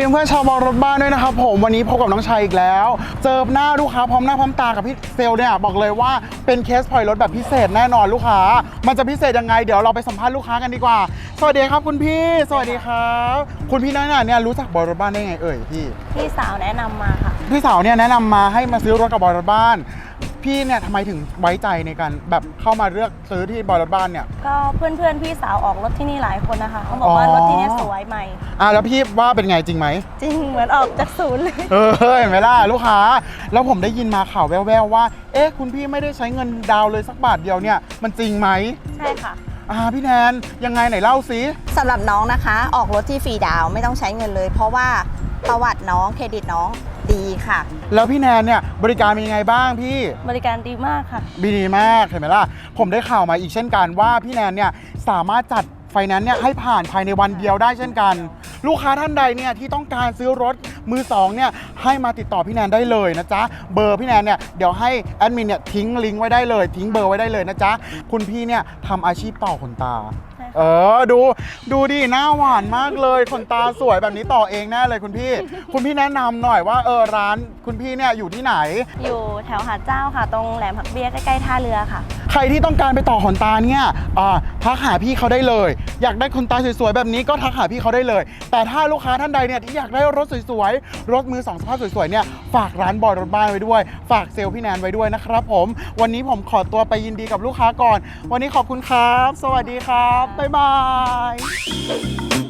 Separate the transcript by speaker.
Speaker 1: เพื่อนๆชาวบอลรถบ้านด้วยนะครับผมวันนี้พบกับน้องชายอีกแล้วเจอหน้าลูกค้าพร้อมหน้าพร้อมตากับพี่เซลเนี่ยบอกเลยว่าเป็นเคสปล่อยรถแบบพิเศษแน่นอนลูกค้ามันจะพิเศษยังไงเดี๋ยวเราไปสัมภาษณ์ลูกค้ากันดีกว่าสวัสดีครับคุณพี่สวัสดีครับคุณพี่น้อยเนี่ยรู้จักบอลรถบ้านได้ไงพี่
Speaker 2: สาวแนะนำมาค่ะ
Speaker 1: พี่สาวเนี่ยแนะนำมาให้มาซื้อรถกับบอลรถบ้านพี่เนี่ยทำไมถึงไว้ใจในการแบบเข้ามาเลือกซื้อที่บอลรถบ้านเนี่ย
Speaker 2: ก็เพื่อนพี่สาวออกรถที่นี่หลายคนนะคะเขาบอกว่ารถที่นี่สวยใหม่
Speaker 1: แล้วพี่ว่าเป็นไงจริงไหม
Speaker 2: จริงเหมือนออกจากศูนย์เลย
Speaker 1: เห็นไหมล่ะลูกค้าแล้วผมได้ยินมาข่าวแว่วๆว่าคุณพี่ไม่ได้ใช้เงินดาวเลยสักบาทเดียวเนี่ยมันจริงไหม
Speaker 2: ใช่ค่ะ
Speaker 1: พี่แนนยังไงไหนเล่าสิ
Speaker 3: สำหรับน้องนะคะออกรถที่ฟรีดาวไม่ต้องใช้เงินเลย เพราะว่าประวัติน้องเครดิตน้องดีค่ะ
Speaker 1: แล้วพี่แนนเนี่ยบริการเป็นยังไงบ้างพี่
Speaker 2: บริการดีมากค่ะ
Speaker 1: ดีมากเห็นไหมล่ะผมได้ข่าวมาอีกเช่นกันว่าพี่แนนเนี่ยสามารถจัดไฟแนนซ์เนี่ยให้ผ่านภายในวันเดียวได้เช่นกันลูกค้าท่านใดเนี่ยที่ต้องการซื้อรถมือสองเนี่ยให้มาติดต่อพี่แนนได้เลยนะจ๊ะเบอร์พี่แนนเนี่ยเดี๋ยวให้แอดมินเนี่ยทิ้งลิงก์ไว้ได้เลยทิ้งเบอร์ไว้ได้เลยนะจ๊ะคุณพี่เนี่ยทำอาชีพต่อขนตาดูดิหน้าหวานมากเลยขนตาสวยแบบนี้ต่อเองแน่เลยคุณพี่แนะนำหน่อยว่าร้านคุณพี่เนี่ยอยู่ที่ไหน
Speaker 2: อยู่แถวหาดเจ้าค่ะตรงแหลมผักเบี้ยใกล้ๆท่าเรือค่ะ
Speaker 1: ใครที่ต้องการไปต่อขนตาเนี่ยทักหาพี่เขาได้เลยอยากได้ขนตาสวยๆแบบนี้ก็ทักหาพี่เขาได้เลยแต่ถ้าลูกค้าท่านใดเนี่ยที่อยากได้รถสวยๆรถมือสองสภาพสวยๆเนี่ยฝากร้านบอยรถบ้านไว้ด้วยฝากเซลล์พี่แนนไว้ด้วยนะครับผมวันนี้ผมขอตัวไปยินดีกับลูกค้าก่อนวันนี้ขอบคุณครับสวัสดีครับบ๊ายบาย